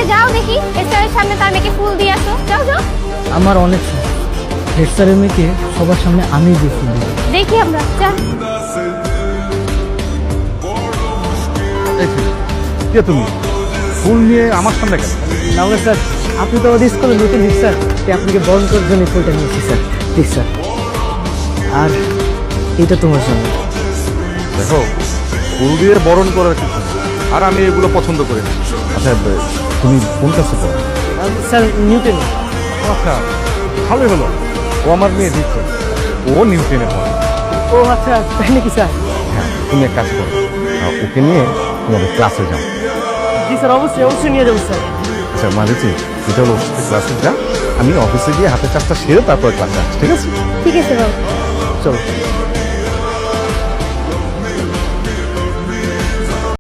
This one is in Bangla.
যাও দেখি হেড স্যারের সামনে তার মেয়েকে ফুল দিয়ে আসো, যাও যাও। আমার অনেক শখ হেড স্যারের মেয়েকে সবার সামনে আমি দিয়ে ফুল দিব। দেখি আমরা, যা। কে তুমি? ফুল নিয়ে আমার সামনে কেন? তাহলে স্যার আপনি তো আমাদের স্কুলে নতুন দিন স্যার, তাই আপনাকে বরণ করার জন্য ফুলটা নিয়েছি স্যার। Please sir. আর এটা তোমার জন্য। দেখো, ফুল দিয়ে বরণ করার কিছু নেই। আর আমি এগুলো পছন্দ করি না। আচ্ছা, তুমি কোন কাছে পড়ো? Sir Newton. আচ্ছা, ভালোই হলো। ও আমার মেয়ে দিচ্ছে, ও নিউটনে পড়ে। ও আচ্ছা, তাই নাকি স্যার? হ্যাঁ, তুমি এক কাজ করো, ওকে নিয়ে তোমাদের ক্লাসে যাও। জি স্যার, অবশ্যই অবশ্যই নিয়ে যাবো স্যার। আচ্ছা মাঝেছি, এটা হলো ক্লাসে যা, আমি অফিসে গিয়ে হাতের কাজটা সেরে তারপর ক্লাসে আসছি, ঠিক আছে? ঠিক আছে বাবু। চলো।